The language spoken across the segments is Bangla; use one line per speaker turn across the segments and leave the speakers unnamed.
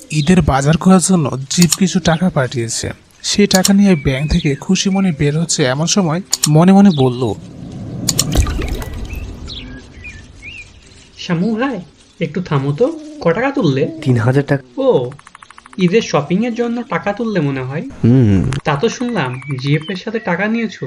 ঈদের বাজার করার জন্য জিপ কিছু টাকা পাঠিয়েছে। সেই টাকা নিয়ে ব্যাংক থেকে খুশি মনে বের হচ্ছে এমন সময় মনে মনে বলল,
শ্যামু ভাই একটু থামো তো, ক টাকা তুললে?
3000 টাকা।
ও, ঈদের শপিং এর জন্য টাকা তুললে মনে হয়। তা তো শুনলাম জিএফ এর সাথে টাকা নিয়েছো।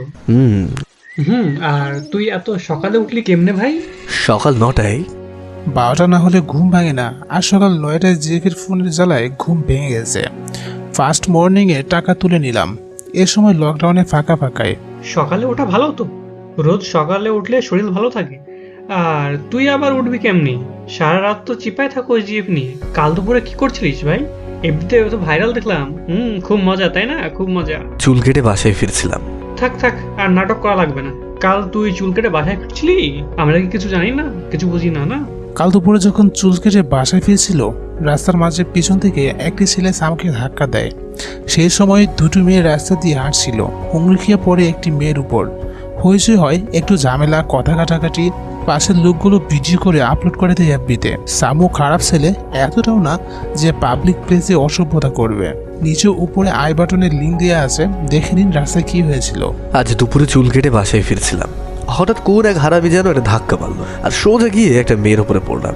আর তুই এত সকালে উঠলি কেমনে ভাই?
সকাল 9টায়।
12টা না হলে ঘুম ভাঙে না, আর সকাল 9টায় জিপের ফোনের জ্বালায় ঘুম ভেঙে গেছে। ফার্স্ট মর্নিংয়ে টাকা তুলে নিলাম। এ সময় লকডাউনে ফাঁকা ফাঁকায়।
সকালে ওঠা ভালো তো, রোজ সকালে উঠলে শরীর ভালো থাকে। আর তুই আবার উঠবি কেমনি? সারা রাত তো চিপায় থাকো জিএফ নিয়ে। কাল দুপুরে কি করছিলিস ভাই? এমনিতে তো ভাইরাল দেখলাম। খুব মজা, তাই না? খুব মজা।
চুল কেটে বাসায় ফিরছিলাম।
থাক থাক, আর নাটক করা লাগবে না। কাল তুই চুল কেটে বাসায় ফিরছিলি? আমরা কি কিছু জানি না, কিছু বুঝি না? না,
কাল দুপুরে যখন চুল কেটে বাসায় ফিরছিল, রাস্তার মাঝে পিছন থেকে একটি ছেলে সামুকে ধাক্কা দেয়। সেই সময় দুটো মেয়ে রাস্তা দিয়ে হাঁটছিল। হুমড়ি খেয়ে পড়ে একটি মেয়ের উপর। হইচই হয়, একটু ঝামেলা, কথা কাটাকাটি। পাশের লোকগুলো ভিডিও করে আপলোড করে দেয় এফবিতে। সামু খারাপ ছেলে এতটাও না যে পাবলিক প্লেসে অসভ্যতা করবে। নিচে উপরে আই বাটনের লিঙ্ক দেওয়া আছে, দেখে নিন রাস্তায় কি হয়েছিল।
আজ দুপুরে চুল কেটে বাসায় ফিরছিলাম, হঠাৎ কোন এক হারামি যেন একটা ধাক্কা মারলো, আর সোজা গিয়ে একটা মেয়ের উপরে পড়লাম।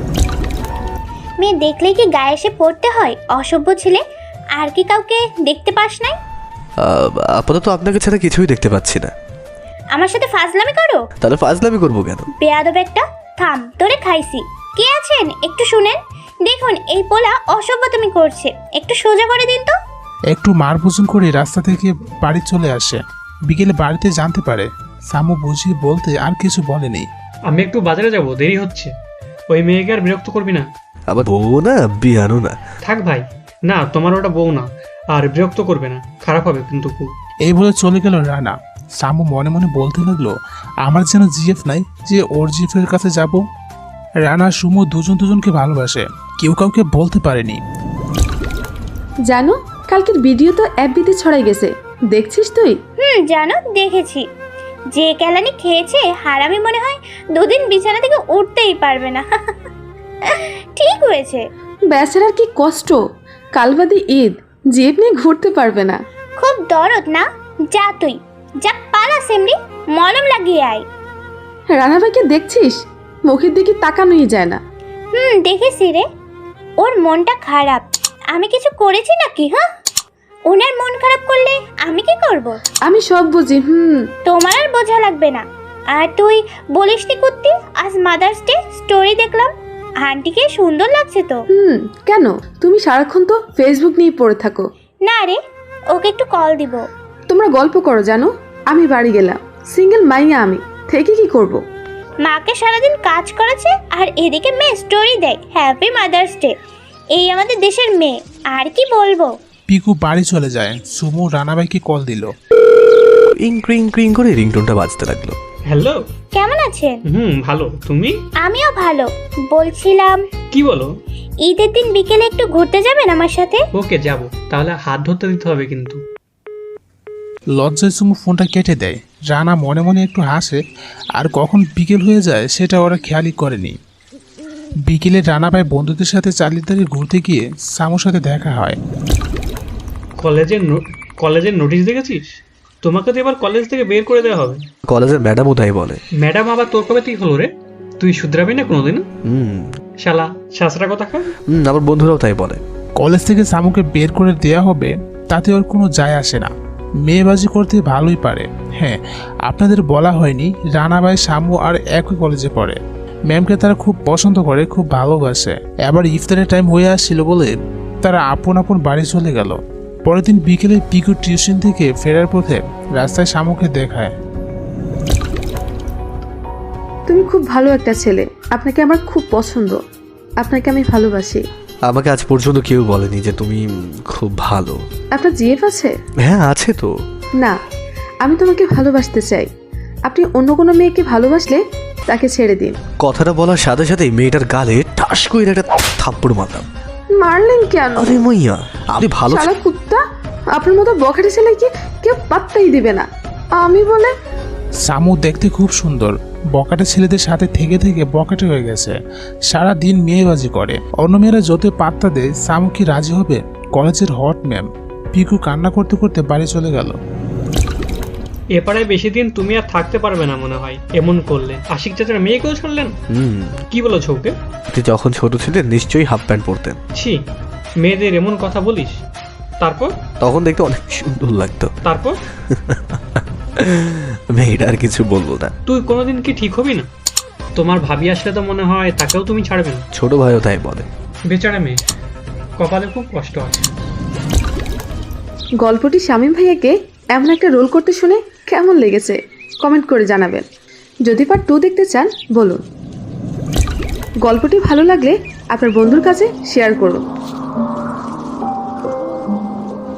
মেয়ে দেখলেই কি গায়ে এসে পড়তে হয়? অসভ্য ছেলে। আর কি কাউকে দেখতে পাস নাই?
আপাতত আপনাকে ছাড়া কিছুই দেখতে পাচ্ছি না।
আমার সাথে ফাজলামি করো?
তাহলে ফাজলামি করবো কেন?
বেয়াদব একটা। থাম, তোরে খাইছি। কে আছেন একটু শুনেন। দেখুন এই পোলা অসভ্যতামি করছে, একটু সোজা করে দিন তো।
একটু মারভোজন করে রাস্তা থেকে বাড়ি চলে আসে। বিকেলে বাড়িতে জানতে পারে। সামু বুঝিয়ে বলতে আর কিছু বলেনি।
আমি একটু বাজারে যাব, দেরি হচ্ছে। ওই মেয়েকে আর বিরক্ত করবি না।
আবার বউ না, বিয়ানো না।
থাক ভাই, না তোমার ওটা বউ না, আর বিরক্ত করবে না, খারাপ হবে কিন্তু খুব।
এই বলে চলে গেল রানা। সামু মনে মনে বলতে লাগলো, আমার যেন জিএফ নাই যে ওর জিএফের কাছে যাব। রানা সুমু দুজনকে ভালোবাসে, কেউ কাউকে বলতে পারেনি।
জানো, কালকের ভিডিও তো এফবিতে ছড়াই গেছে, দেখছিস তুই?
জানো, দেখেছি। যে কেলানি খেয়েছে হারামি মনে হয় দুদিন বিছানা থেকে উঠতেই পারবে না। ঠিক হয়েছে।
বেচারার কি কষ্ট, কালবাদি ঈদ, জিপ নিয়ে ঘুরতে পারবে না।
খুব দরদ না? যা তুই, যা পালা সেমরি, মলম লাগিয়ে আয়।
রানা ভাইকে দেখছিস? মুখের দিকে তাকানোই যায় না।
দেখেছি রে। ওর মনটা খারাপ। আমি কিছু করেছি নাকি? হ্যাঁ, ওনার মন খারাপ করলে আমি কি করব?
আমি সব বুঝি।
তোমার আর বোঝা লাগবে না। আর তুই বলিসনি কুত্তি, আজ মাদার্স ডে, স্টোরি দেখলাম। আন্টিকে সুন্দর লাগছে তো।
কেন? তুমি সারাক্ষণ তো ফেসবুক নিয়ে পড়ে থাকো।
না রে, ওকে একটু কল দিব।
তোমরা গল্প করো, জানো আমি বাড়ি গেলাম, সিঙ্গেল মাইয়া, আমি থেকে কি করব?
মাকে সারাদিন কাজ করেছে, আর এদিকে মেয়ে স্টোরি দেয় হ্যাপি মাদার্স ডে। এই আমাদের দেশের মেয়ে, আর কি বলবো।
পিকু বাড়ি চলে যায়। সুমু রানাবাইকে কল দিল।
ইংক্রিং ক্রিং করে রিংটোনটা বাজতে লাগলো।
হ্যালো,
কেমন আছেন?
ভালো, তুমি?
আমিও ভালো। বলছিলাম,
কি বলো?
ঈদের দিন বিকেলে একটু ঘুরতে যাবেন আমার সাথে?
ওকে, যাব। তাহলে হাত ধরতে দিতে হবে কিন্তু।
লজ্জায় সুমু ফোনটা কেটে দেয়। রানা মনে মনে একটু হাসে, আর কখন বিকেল হয়ে যায় সেটা ওরা খেয়ালই করেনি। বিকেলে রানাবাই বন্ধুদের সাথে চালিয়ে ঘুরতে গিয়ে সামুর সাথে দেখা হয়।
কলেজের নোটিশ দেখেছিস? তোমাকে তো এবার কলেজ থেকে বের করে দেওয়া হবে।
কলেজের ম্যাডামও তাই বলে।
ম্যাডাম আবার তোর কবে থেকে হলো রে? তুই শুধরাবি না কোনোদিন? শালা শাসরা কথা খা।
আমার বন্ধুরাও তাই বলে।
কলেজ থেকে সামুকে বের করে দেয়া হবে, তাতে ওর কোনো যায় আসে না। মেয়েবাজি করতে ভালোই পারে। হ্যাঁ, আপনাদের বলা হয়নি, রানাবাই সামু আর একই কলেজে পড়ে। ম্যামকে তারা খুব পছন্দ করে, খুব ভালোবাসে। এবার ইফতারের টাইম হয়ে আসছিল বলে তারা আপন আপন বাড়ি চলে গেল। পরের দিন বিকেলে পিকু টিউশন থেকে ফেরার পথে রাস্তায় সামুকে দেখায়।
তুমি খুব ভালো একটা ছেলে, আপনাকে আমার খুব পছন্দ, আপনাকে আমি ভালোবাসি।
আমাকে আজ পর্যন্ত কেউ বলেনি যে তুমি খুব ভালো।
আপনার জিএফ আছে?
হ্যাঁ, আছে তো।
না, আমি তোমাকে ভালোবাসতে চাই। আপনি অন্য কোনো মেয়েকে ভালোবাসলে তাকে ছেড়ে দিন।
কথাটা বলার সাথে সাথেই মেয়েটার গালে ঠাস করে একটা থাপ্পড় মারলাম।
মারলেন কেন?
আরে মাইয়া, আপনি ভালো
শালা কুত্তা, আপনার মতো বখাটে ছেলেকে কেউ পাত্তাই দিবে না। আমি বলে
সামু দেখতে খুব সুন্দর, বকাটে ছেলেদের সাথে থেকে থেকে বকাটে হয়ে গেছে। সারা দিন মেয়েবাজি করে। অন্য মেয়েরা যত পাত্তা দেয় সামু কি রাজি হবে? কলেজের হট ম্যাম। পিকু কান্না করতে করতে বাড়ি চলে গেল।
এপাড়ায় বেশি দিন তুমি আর থাকতে পারবে না মনে হয় এমন করলে। আশিক চাচার মেয়েকেও ছাড়লেন? কি বলেছো ওকে?
আপনি যখন ছোট ছিলেন নিশ্চয়ই হাফ প্যান্ট পরতেন।
ছি, মেয়েদের এমন কথা বলিস। তারপর?
তখন দেখতে অনেক সুন্দর লাগতো।
তারপর?
মেয়েটা আর কিছু বলবো না।
তুই কোনোদিন কি ঠিক হবি না? তোমার ভাবি আসলে তো মনে হয় তাকেও তুমি ছাড়বে না।
ছোট ভাইও তাই বলে।
বেচারা মেয়ে, কপালে খুব কষ্ট আছে।
গল্পটি শামীম ভাইয়াকে এমন একটা রোল করতে শুনে কেমন লেগেছে কমেন্ট করে জানাবেন। যদি পার্ট 2 দেখতে চান বলুন। গল্পটি ভালো লাগলে আপনার বন্ধুর কাছে শেয়ার করুন।